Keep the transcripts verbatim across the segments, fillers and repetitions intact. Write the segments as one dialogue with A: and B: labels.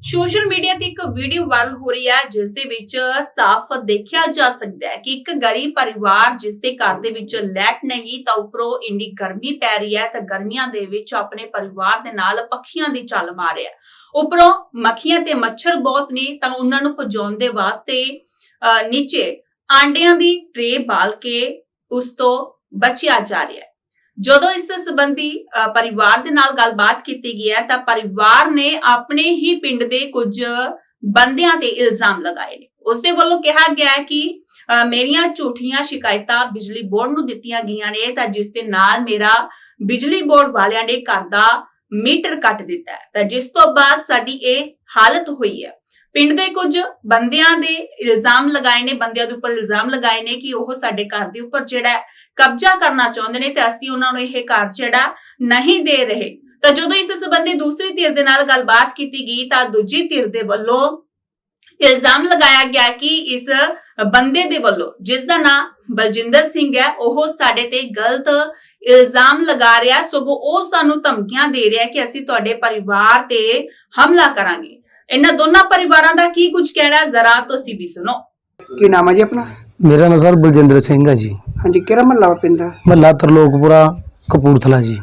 A: Social media ਤੇ ਇੱਕ video viral ਹੋ ਰਹੀ ਹੈ ਜਿਸ ਦੇ ਵਿੱਚ ਸਾਫ਼ ਦੇਖਿਆ ਜਾ ਸਕਦਾ ਹੈ ਕਿ ਇੱਕ ਗਰੀਬ ਪਰਿਵਾਰ ਜਿਸ ਦੇ ਘਰ ਦੇ ਵਿੱਚ ਲਾਈਟ ਨਹੀਂ ਤਾਂ ਉੱਪਰੋਂ ਇੰਨੀ ਗਰਮੀ ਪੈ ਰਹੀ ਹੈ ਤਾਂ ਗਰਮੀਆਂ ਦੇ ਵਿੱਚ ਆਪਣੇ ਪਰਿਵਾਰ ਦੇ ਨਾਲ ਪੱਖੀਆਂ ਦੀ ਚੱਲ ਮਾਰ ਰਿਹਾ ਉੱਪਰੋਂ ਮੱਖੀਆਂ ਤੇ ਮੱਛਰ ਬਹੁਤ ਨੇ ਤਾਂ ਉਹਨਾਂ ਨੂੰ ਭਜਾਉਣ ਦੇ ਵਾਸਤੇ ਨੀਚੇ ਆਂਡਿਆਂ ਦੀ ਟਰੇ ਬਾਲ ਕੇ ਉਸ ਤੋਂ ਬਚਿਆ ਜਾ ਰਿਹਾ ਹੈ। ਜਦੋਂ ਇਸ ਸੰਬੰਧੀ ਪਰਿਵਾਰ ਦੇ ਨਾਲ ਗੱਲਬਾਤ ਕੀਤੀ ਗਈ ਹੈ ਤਾਂ ਪਰਿਵਾਰ ਨੇ ਆਪਣੇ ਹੀ ਪਿੰਡ ਦੇ ਕੁਝ ਬੰਦਿਆਂ ਤੇ ਇਲਜ਼ਾਮ ਲਗਾਏ ਨੇ। ਉਸ ਦੇ ਵੱਲੋਂ ਕਿਹਾ ਗਿਆ ਹੈ ਕਿ ਮੇਰੀਆਂ ਝੂਠੀਆਂ ਸ਼ਿਕਾਇਤਾਂ ਬਿਜਲੀ ਬੋਰਡ ਨੂੰ ਦਿੱਤੀਆਂ ਗਈਆਂ ਨੇ ਤਾਂ ਜਿਸ ਦੇ ਨਾਲ ਮੇਰਾ ਬਿਜਲੀ ਬੋਰਡ ਵਾਲਿਆਂ ਨੇ ਘਰ ਦਾ ਮੀਟਰ ਕੱਟ ਦਿੱਤਾ ਹੈ ਤਾਂ ਜਿਸ ਤੋਂ ਬਾਅਦ ਸਾਡੀ ਇਹ ਹਾਲਤ ਹੋਈ ਹੈ। ਪਿੰਡ ਦੇ ਕੁਝ ਬੰਦਿਆਂ ਦੇ ਇਲਜ਼ਾਮ ਲਗਾਏ ਨੇ ਬੰਦਿਆਂ ਦੇ ਉੱਪਰ ਇਲਜ਼ਾਮ ਲਗਾਏ ਨੇ ਕਿ ਉਹ ਸਾਡੇ ਘਰ ਦੇ ਉੱਪਰ ਜਿਹੜਾ ਕਬਜ਼ਾ ਕਰਨਾ ਚਾਹੁੰਦੇ ਨੇ ਤੇ ਅਸੀਂ ਉਹਨਾਂ ਨੂੰ ਇਹ ਘਰ ਜਿਹੜਾ ਨਹੀਂ ਦੇ ਰਹੇ। ਤਾਂ ਜਦੋਂ ਇਸ ਸੰਬੰਧੀ ਦੂਸਰੀ ਧਿਰ ਦੇ ਨਾਲ ਗੱਲਬਾਤ ਕੀਤੀ ਗਈ ਤਾਂ ਦੂਜੀ ਧਿਰ ਦੇ ਵੱਲੋਂ ਇਲਜ਼ਾਮ ਲਗਾਇਆ ਗਿਆ ਕਿ ਇਸ ਬੰਦੇ ਦੇ ਵੱਲੋਂ ਜਿਸ ਦਾ ਨਾਮ ਬਲਜਿੰਦਰ ਸਿੰਘ ਹੈ ਉਹ ਸਾਡੇ ਤੇ ਗਲਤ ਇਲਜ਼ਾਮ ਲਗਾ ਰਿਹਾ ਸਗੋਂ ਉਹ ਸਾਨੂੰ ਧਮਕੀਆਂ ਦੇ ਰਿਹਾ ਕਿ ਅਸੀਂ ਤੁਹਾਡੇ ਪਰਿਵਾਰ ਤੇ ਹਮਲਾ ਕਰਾਂਗੇ। ਇਹਨਾਂ ਦੋਨਾਂ ਪਰਿਵਾਰਾਂ ਦਾ ਕੀ ਕੁਝ ਕਹਿਣਾ ਹੈ ਜ਼ਰਾ ਤੁਸੀਂ ਵੀ ਸੁਣੋ।
B: ਕੀ ਨਾਮ ਹੈ ਜੀ ਆਪਣਾ?
C: मेरा नाम सर बलजिंदर सिंह है जी।
B: हाँ जी, किहड़ा महला पिंदा?
C: महला तरलोकपुरा कपूरथला जी।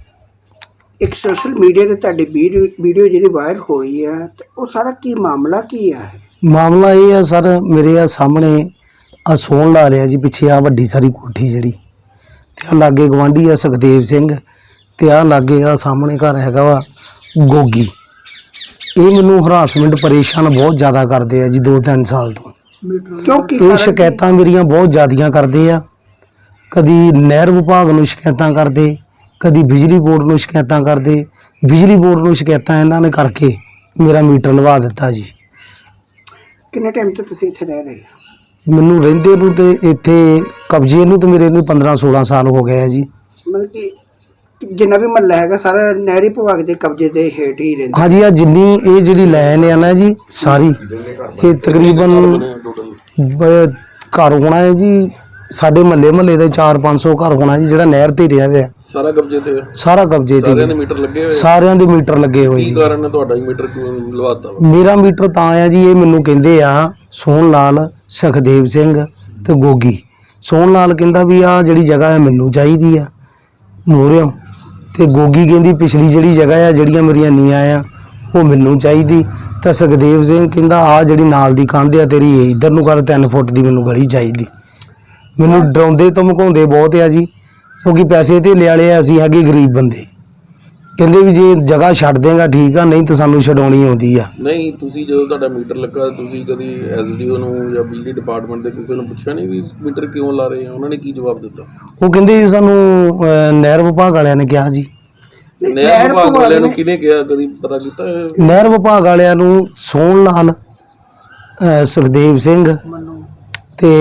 B: एक सोशल मीडिया ते तुहाडी वीडियो वीडियो ਜਿਹੜੀ ਵਾਇਰਲ ਹੋਈ ਹੈ ਤੇ ਉਹ ਸਾਰਾ ਕੀ ਮਾਮਲਾ ਕੀ ਹੈ?
C: ਮਾਮਲਾ ਇਹ ਹੈ ਸਰ ਮੇਰੇ ਆ ਸਾਹਮਣੇ ਆ ਸੋਣ ਲਾ ਲਿਆ ਜੀ ਪਿੱਛੇ ਆ ਵੱਡੀ ਸਾਰੀ ਕੋਠੀ ਜਿਹੜੀ ਤੇ ਆ ਲਾਗੇ ਗਵਾਂਢੀ ਆ ਸੁਖਦੇਵ ਸਿੰਘ ਤੇ ਆ ਲਾਗੇ ਆ ਸਾਹਮਣੇ ਘਰ ਹੈਗਾ ਵਾ ਗੋਗੀ। ਇਹ ਮੈਨੂੰ ਹਰਾਸਮੈਂਟ ਪਰੇਸ਼ਾਨ ਬਹੁਤ ਜ਼ਿਆਦਾ ਕਰਦੇ ਆ ਜੀ ਦੋ ਤਿੰਨ ਸਾਲ ਤੋਂ।
B: ਕਿਉਂਕਿ
C: ਇਹ ਸ਼ਿਕਾਇਤਾਂ ਮੇਰੀਆਂ ਬਹੁਤ ਜ਼ਿਆਦੀਆਂ ਕਰਦੇ ਆ। ਕਦੀ ਨਹਿਰ ਵਿਭਾਗ ਨੂੰ ਸ਼ਿਕਾਇਤਾਂ ਕਰਦੇ, ਕਦੀ ਬਿਜਲੀ ਬੋਰਡ ਨੂੰ ਸ਼ਿਕਾਇਤਾਂ ਕਰਦੇ। ਬਿਜਲੀ ਬੋਰਡ ਨੂੰ ਸ਼ਿਕਾਇਤਾਂ ਇਹਨਾਂ ਨੇ ਕਰਕੇ ਮੇਰਾ ਮੀਟਰ ਲਵਾ ਦਿੱਤਾ ਜੀ।
B: ਕਿੰਨੇ ਟਾਈਮ ਤੋਂ ਤੁਸੀਂ ਇੱਥੇ ਰਹਿ ਰਹੇ ਹੋ?
C: ਮੈਨੂੰ ਰਹਿੰਦੇ ਨੂੰ ਤੇ ਇੱਥੇ ਕਬਜ਼ੇ ਨੂੰ ਤੇ ਮੇਰੇ ਨੂੰ ਪੰਦਰਾਂ ਸੋਲਾਂ ਸਾਲ ਹੋ ਗਏ ਆ ਜੀ।
B: ਮਤਲਬ ਕਿ ਜਿੰਨਾ ਵੀ ਮਹੱਲਾ ਹੈਗਾ ਸਾਰਾ ਨਹਿਰੀ ਵਿਭਾਗ ਦੇ ਕਬਜ਼ੇ ਦੇ ਹੇਠ ਹੀ ਰਹਿੰਦਾ?
C: ਹਾਂਜੀ, ਆ ਜਿੰਨੀ ਇਹ ਜਿਹੜੀ ਲਾਈਨ ਆ ਨਾ ਜੀ ਸਾਰੀ ਇਹ ਤਕਰੀਬਨ ਬ- ਘਰ ਹੋਣਾ ਹੈ ਜੀ ਸਾਡੇ ਮਹੱਲੇ ਮਹੱਲੇ ਦੇ ਚਾਰ ਪੰਜ ਸੌ ਘਰ ਹੋਣਾ ਜੀ ਜਿਹੜਾ ਨਹਿਰ ਤੇ ਰਿਹਾ ਰਿਹਾ
D: ਸਾਰਾ ਕਬਜ਼ੇ ਤੇ
C: ਸਾਰਾ ਕਬਜ਼ੇ
D: ਸਾਰਿਆਂ ਦੇ
C: ਤੇ
D: ਮੀਟਰ ਲੱਗੇ ਹੋਏ ਆ?
C: ਸਾਰਿਆਂ ਦੇ ਮੀਟਰ ਲੱਗੇ ਹੋਏ
D: ਕੀ
C: ਜੀ।
D: ਕਾਰਨ ਹੈ ਤੁਹਾਡਾ ਹੀ ਮੀਟਰ ਕਿਉਂ ਲਵਾਤਾ ਵਾ?
C: ਮੇਰਾ ਮੀਟਰ ਤਾਂ ਆ ਜੀ ਇਹ ਮੈਨੂੰ ਕਹਿੰਦੇ ਆ ਸੋਹਣ ਲਾਲ ਸੁਖਦੇਵ ਸਿੰਘ ਤੇ ਗੋਗੀ। ਸੋਹਣ ਲਾਲ ਕਹਿੰਦਾ ਵੀ ਆ ਜਿਹੜੀ ਜਗ੍ਹਾ ਹੈ ਮੈਨੂੰ ਚਾਹੀਦੀ ਆ ਮੋਰਿਓ ਤੇ ਗੋਗੀ ਕਹਿੰਦੀ ਪਿਛਲੀ ਜਿਹੜੀ ਜਗ੍ਹਾ ਆ ਜਿਹੜੀਆਂ ਮੇਰੀਆਂ ਨੀਆਂ ਆ ਉਹ ਮੈਨੂੰ ਚਾਹੀਦੀ। ਤਾਂ ਸੁਖਦੇਵ ਸਿੰਘ ਕਹਿੰਦਾ ਆ ਜਿਹੜੀ ਨਾਲ ਦੀ ਕੰਧ ਆ ਤੇਰੀ ਇਹ ਇੱਧਰ ਨੂੰ ਕਰ ਤਿੰਨ ਫੁੱਟ ਦੀ ਮੈਨੂੰ ਗਲੀ ਚਾਹੀਦੀ। ਮੈਨੂੰ ਡਰਾਉਂਦੇ ਧਮਕਾਉਂਦੇ ਬਹੁਤ ਆ ਜੀ ਕਿਉਂਕਿ ਪੈਸੇ ਧੇਲੇ ਵਾਲੇ ਆ ਅਸੀਂ ਹੈਗੇ ਗਰੀਬ ਬੰਦੇ। ਕਹਿੰਦੇ ਵੀ ਜੇ ਜਗ੍ਹਾ ਛੱਡ ਦੇਗਾ ਠੀਕ ਆ ਨਹੀਂ ਤਾਂ ਸਾਨੂੰ ਛਡਾਉਣੀ ਆਉਂਦੀ ਆ।
D: ਨਹੀਂ ਤੁਸੀਂ ਜਦੋਂ ਤੁਹਾਡਾ ਮੀਟਰ ਲੱਗਾ ਤੁਸੀਂ ਕਦੀ ਐਸਡੀਓ ਨੂੰ ਜਾਂ ਬਿਜਲੀ ਡਿਪਾਰਟਮੈਂਟ ਦੇ ਕਿਸੇ ਨੂੰ ਪੁੱਛਿਆ ਨਹੀਂ ਵੀ ਮੀਟਰ ਕਿਉਂ ਲਾ ਰਹੇ ਆ? ਉਹਨਾਂ ਨੇ ਕੀ ਜਵਾਬ ਦਿੱਤਾ?
C: ਉਹ ਕਹਿੰਦੇ ਜੀ ਸਾਨੂੰ ਅਹ, ਨਹਿਰ ਵਿਭਾਗ ਵਾਲਿਆਂ ਨੇ ਕਿਹਾ ਜੀ।
D: ਨਹਿਰ ਵਿਭਾਗ ਵਾਲਿਆਂ ਨੂੰ ਕਿਹਨੇ ਕਿਹਾ, ਕਦੀ ਪਤਾ ਕੀਤਾ ਹੈ?
C: ਨਹਿਰ ਵਿਭਾਗ ਵਾਲਿਆਂ ਨੂੰ ਸੋਹਣ ਲਾਲ ਅਹ, ਸੁਖਦੇਵ ਸਿੰਘ ਤੇ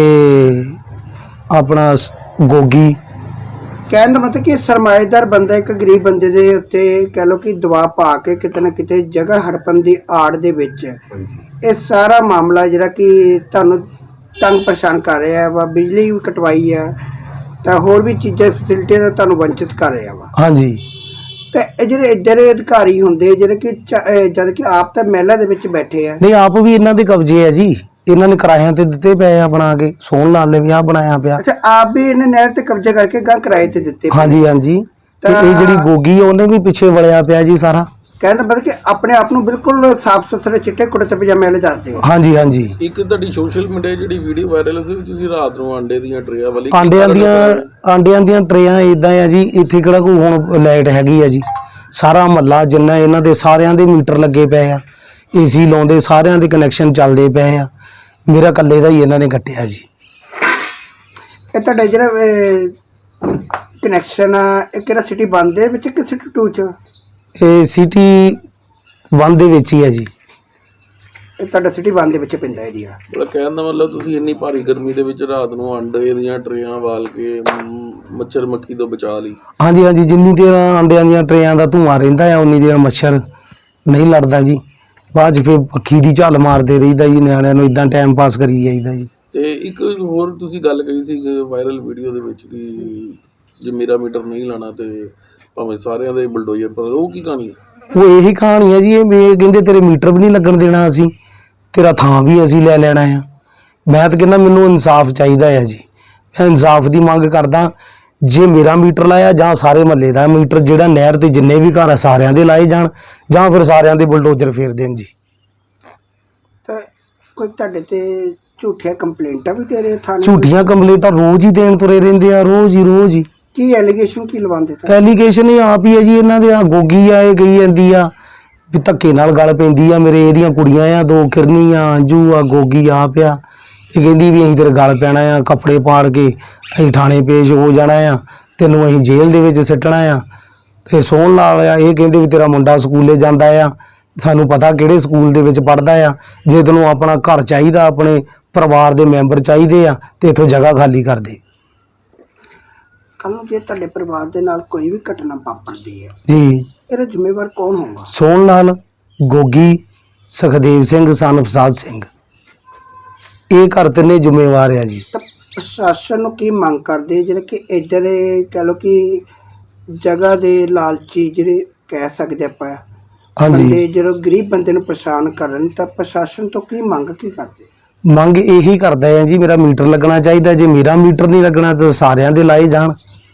C: ਆਪਣਾ ਸ- ਗੋਗੀ।
B: ਕਹਿਣ ਦਾ ਮਤਲਬ ਕਿ ਸਰਮਾਏਦਾਰ ਬੰਦਾ ਇੱਕ ਗਰੀਬ ਬੰਦੇ ਦੇ ਉੱਤੇ ਕਹਿ ਲਓ ਕਿ ਦਬਾਅ ਪਾ ਕੇ ਕਿਤੇ ਨਾ ਕਿਤੇ ਜਗ੍ਹਾ ਹੜਪਣ ਦੀ ਆੜ ਦੇ ਵਿੱਚ ਇਹ ਸਾਰਾ ਮਾਮਲਾ ਜਿਹੜਾ ਕਿ ਤੁਹਾਨੂੰ ਤੰਗ ਪਰੇਸ਼ਾਨ ਕਰ ਰਿਹਾ ਵਾ। ਬਿਜਲੀ ਵੀ ਕਟਵਾਈ ਆ ਤਾਂ ਹੋਰ ਵੀ ਚੀਜ਼ਾਂ ਫੈਸਿਲਿਟੀਆਂ ਦਾ ਤੁਹਾਨੂੰ ਵੰਚਿਤ ਕਰ ਰਿਹਾ ਵਾ।
C: ਹਾਂਜੀ,
B: ਤੇ ਇਹ ਜਿਹੜੇ ਇੱਧਰ ਦੇ ਅਧਿਕਾਰੀ ਹੁੰਦੇ ਜਿਹੜੇ ਕਿ ਚ- ਅਹ ਜਦ ਕਿ ਆਪ ਤਾਂ ਮਹਿਲਾ ਦੇ ਵਿੱਚ ਬੈਠੇ ਆ।
C: ਨਹੀਂ ਆਪ ਵੀ ਇਹਨਾਂ ਦੇ ਕਬਜ਼ੇ ਆ ਜੀ। ਇਹਨਾਂ ਨੇ ਕਿਰਾਇਆਂ ਤੇ ਦਿੱਤੇ ਪਏ ਆ ਬਣਾ ਕੇ। ਸੋਹਣ ਲਾਲ ਨੇ ਵੀ ਆ ਬਣਾਇਆ ਪਿਆ।
B: ਅੱਛਾ, ਆਪ ਵੀ ਇਹਨੇ ਨਹਿਰ ਤੇ ਕਬਜ਼ਾ ਕਰਕੇ ਗਾਂ ਕਿਰਾਏ ਤੇ ਦਿੱਤੇ ਪਏ।
C: ਹਾਂਜੀ ਹਾਂਜੀ, ਤੇ ਇਹ ਜਿਹੜੀ ਗੋਗੀ ਆ ਉਹਨੇ ਵੀ ਪਿੱਛੇ ਵਲਿਆ ਪਿਆ ਜੀ ਸਾਰਾ।
B: ਕਹਿੰਦਾ ਮਤਲਬ ਕਿ ਆਪਣੇ ਆਪ ਨੂੰ ਬਿਲਕੁਲ ਸਾਫ਼ ਸੁਥਰੇ ਚਿੱਟੇ ਕੁੜਤੇ ਪਜਾਮੇ ਵਾਲੇ ਦੱਸਦੇ ਹੋ।
C: ਹਾਂਜੀ ਹਾਂਜੀ,
D: ਇੱਕ ਤੁਹਾਡੀ ਸੋਸ਼ਲ ਮੀਡੀਆ ਜਿਹੜੀ ਵੀਡੀਓ ਵਾਇਰਲ ਹੋਈ ਸੀ ਤੁਸੀਂ ਰਾਤ ਨੂੰ ਆਂਡੇ ਦੀਆਂ ਟਰੇਆਂ ਵਾਲੀ
C: ਆਂਡਿਆਂ ਦੀਆਂ ਆਂਡਿਆਂ ਦੀਆਂ ਟਰੇਆਂ ਇਦਾਂ ਆ ਜੀ। ਇੱਥੇ ਕਿਹੜਾ ਕੋਈ ਹੁਣ ਲਾਈਟ ਹੈਗੀ ਆ ਜੀ। ਸਾਰਾ ਮਹੱਲਾ ਜਿੰਨਾ ਇਹਨਾਂ ਦੇ ਸਾਰਿਆਂ ਦੇ ਮੀਟਰ ਲੱਗੇ ਪਏ ਆ, ਏਸੀ ਲਾਉਂਦੇ ਸਾਰਿਆਂ ਦੇ ਕਨੈਕਸ਼ਨ ਚੱਲਦੇ ਪਏ ਆ। ਮੇਰਾ ਇਕੱਲੇ ਦਾ ਹੀ ਇਹਨਾਂ ਨੇ ਕੱਟਿਆ ਜੀ।
B: ਇਹ ਤੁਹਾਡਾ ਜਿਹੜਾ ਕਨੈਕਸ਼ਨ ਆ ਇਹ ਕਿਹੜਾ ਸਿਟੀ ਵਨ ਦੇ ਵਿੱਚ ਕਿ ਸਿਟੀ ਟੂ ਚ?
C: ਇਹ ਸਿਟੀ ਵਨ ਦੇ ਵਿੱਚ ਹੀ ਹੈ ਜੀ।
B: ਇਹ ਤੁਹਾਡਾ ਸਿਟੀ ਵਨ ਦੇ ਵਿੱਚ ਪੈਂਦਾ ਏਰੀਆ।
D: ਮਤਲਬ ਕਹਿਣ ਦਾ ਮਤਲਬ ਤੁਸੀਂ ਇੰਨੀ ਭਾਰੀ ਗਰਮੀ ਦੇ ਵਿੱਚ ਰਾਤ ਨੂੰ ਆਂਡੇ ਦੀਆਂ ਟਰੇਆਂ ਵਾਲ ਕੇ ਮ, ਮੱਛਰ ਮੱਖੀ ਤੋਂ ਬਚਾ ਲਈ?
C: ਹਾਂਜੀ ਹਾਂਜੀ, ਜਿੰਨੀ ਦੇਰ ਆਂਡਿਆਂ ਦੀਆਂ ਟਰੇਆਂ ਦਾ ਧੂੰਆਂ ਰਹਿੰਦਾ ਆ ਉਨੀ ਦੇਰ ਮੱਛਰ ਨਹੀਂ ਲੜਦਾ ਜੀ। ਬਾਅਦ 'ਚ ਫਿਰ ਪੱਖੀ ਦੀ ਝੱਲ ਮਾਰਦੇ ਰਹੀਦਾ ਜੀ। ਨਿਆਣਿਆਂ ਨੂੰ ਇਦਾਂ ਟਾਈਮ ਪਾਸ ਕਰੀ ਜਾਈਦਾ ਜੀ।
D: ਤੇ ਇੱਕ ਹੋਰ ਤੁਸੀਂ ਗੱਲ ਕਹੀ ਸੀ ਵਾਇਰਲ ਵੀਡੀਓ ਦੇ ਵਿੱਚ ਕਿ ਜੇ ਮੇਰਾ ਮੀਟਰ ਨਹੀਂ ਲਾਣਾ ਤੇ ਭਾਵੇਂ ਸਾਰਿਆਂ ਦੇ ਬਲਡੋਜ਼ਰ ਪਰ ਉਹ ਕੀ ਕਹਾਣੀ ਹੈ?
C: ਉਹ ਇਹੀ ਕਹਾਣੀ ਹੈ ਜੀ। ਇਹ ਵੀ ਕਹਿੰਦੇ ਤੇਰੇ ਮੀਟਰ ਵੀ ਨਹੀਂ ਲੱਗਣ ਦੇਣਾ ਅਸੀਂ, ਤੇਰਾ ਥਾਂ ਵੀ ਅਸੀਂ ਲੈ ਲੈਣਾ ਆ। ਮੈਂ ਤਾਂ ਕਹਿੰਦਾ ਮੈਨੂੰ ਇਨਸਾਫ ਚਾਹੀਦਾ ਹੈ ਜੀ। ਮੈਂ ਇਨਸਾਫ ਦੀ ਮੰਗ ਕਰਦਾ। ਜੇ ਮੇਰਾ ਮੀਟਰ ਲਾਇਆ ਜਾਂ ਸਾਰੇ ਮਹੱਲੇ ਦਾ ਮੀਟਰ, ਜਿਹੜਾ ਨਹਿਰ ਤੇ ਜਿੰਨੇ ਵੀ ਘਰ ਆ ਸਾਰਿਆਂ ਦੇ ਲਾਏ ਜਾਣ, ਜਾਂ ਫਿਰ ਸਾਰਿਆਂ ਦੇ ਬੁਲਡੋਜ਼ਰ ਫੇਰ ਦੇਣ ਜੀ।
B: ਤਾਂ ਕੋਈ ਤੁਹਾਡੇ ਤੇ ਝੂਠੀਆਂ ਕੰਪਲੇਂਟਾਂ ਵੀ ਦੇ ਰਹੇ ਥਾਣੇ?
C: ਝੂਠੀਆਂ ਕੰਪਲੇਂਟਾਂ ਰੋਜ਼ ਹੀ ਦੇਣ ਤੁਰੇ ਰਹਿੰਦੇ ਆ, ਰੋਜ਼ ਹੀ ਰੋਜ਼ ਹੀ।
B: ਕੀ ਐਲੀਗੇਸ਼ਨ ਕੀ ਲਵਾਉਂਦੇ ਤਾਂ?
C: ਐਲੀਗੇਸ਼ਨ ਇਹ ਆਪ ਹੀ ਹੈ ਜੀ ਇਹਨਾਂ ਦੇ। ਆ ਗੋਗੀ ਆ, ਇਹ ਕਹੀ ਜਾਂਦੀ ਆ ਵੀ ਧੱਕੇ ਨਾਲ ਗੱਲ ਪੈਂਦੀ ਆ ਮੇਰੇ। ਇਹਦੀਆਂ ਕੁੜੀਆਂ ਆ ਦੋ, ਕਿਰਨੀ ਆ, ਅੰਜੂ ਆ, ਗੋਗੀ ਆਪ ਆ। ਇਹ ਕਹਿੰਦੀ ਵੀ ਅਸੀਂ ਤੇਰੇ ਗੱਲ ਪੈਣਾ ਆ, ਕੱਪੜੇ ਪਾੜ ਕੇ ਅਸੀਂ ਥਾਣੇ ਪੇਸ਼ ਹੋ ਜਾਣਾ ਆ, ਤੈਨੂੰ ਅਸੀਂ ਜੇਲ੍ਹ ਦੇ ਵਿੱਚ ਸਿੱਟਣਾ ਆ। ਤੇ ਸੋਹਣ ਲਾਲ ਆ, ਇਹ ਕਹਿੰਦੇ ਵੀ ਤੇਰਾ ਮੁੰਡਾ ਸਕੂਲੇ ਜਾਂਦਾ ਆ, ਸਾਨੂੰ ਪਤਾ ਕਿਹੜੇ ਸਕੂਲ ਦੇ ਵਿੱਚ ਪੜ੍ਹਦਾ ਆ। ਜੇ ਤੈਨੂੰ ਆਪਣਾ ਘਰ ਚਾਹੀਦਾ, ਆਪਣੇ ਪਰਿਵਾਰ ਦੇ ਮੈਂਬਰ ਚਾਹੀਦੇ ਆ, ਤੇ ਇੱਥੋਂ ਜਗ੍ਹਾ ਖਾਲੀ ਕਰ ਦੇ।
B: ਕੱਲ ਨੂੰ ਜੇ ਤੁਹਾਡੇ ਪਰਿਵਾਰ ਦੇ ਨਾਲ ਕੋਈ ਵੀ ਘਟਨਾ ਵਾਪਰਦੀ ਹੈ
C: ਜੀ,
B: ਇਹਦਾ ਜ਼ਿੰਮੇਵਾਰ ਕੌਣ ਹੋਊਗਾ?
C: ਸੋਹਣ ਲਾਲ, ਗੋਗੀ, ਸੁਖਦੇਵ ਸਿੰਘ, ਸਨ ਪ੍ਰਸਾਦ ਸਿੰਘ, ਇਹ ਘਰ ਤਿੰਨੇ ਜ਼ਿੰਮੇਵਾਰ ਆ ਜੀ।
B: ਤਾਂ ਪ੍ਰਸ਼ਾਸਨ ਨੂੰ ਕੀ ਮੰਗ ਕਰਦੇ ਜਿਹੜੇ ਕਿ ਇੱਧਰ ਕਹਿ ਲਓ ਕਿ ਜਗ੍ਹਾ ਦੇ ਲਾਲਚੀ ਜਿਹੜੇ ਕਹਿ ਸਕਦੇ ਆਪਾਂ
C: ਹਾਂਜੀ,
B: ਬੰਦੇ ਜਦੋਂ ਗਰੀਬ ਬੰਦੇ ਨੂੰ ਪਰੇਸ਼ਾਨ ਕਰਨ, ਤਾਂ ਪ੍ਰਸ਼ਾਸਨ ਤੋਂ ਕੀ ਮੰਗ ਕੀ ਕਰਦੇ?
C: ਮੰਗ ਇਹੀ ਕਰਦਾ ਹੈ ਜੀ, ਮੇਰਾ ਮੀਟਰ ਲੱਗਣਾ ਚਾਹੀਦਾ। ਜੇ ਮੇਰਾ ਮੀਟਰ ਨਹੀਂ ਲੱਗਣਾ ਤਾਂ ਸਾਰਿਆਂ ਦੇ ਲਾਏ ਜਾਣ।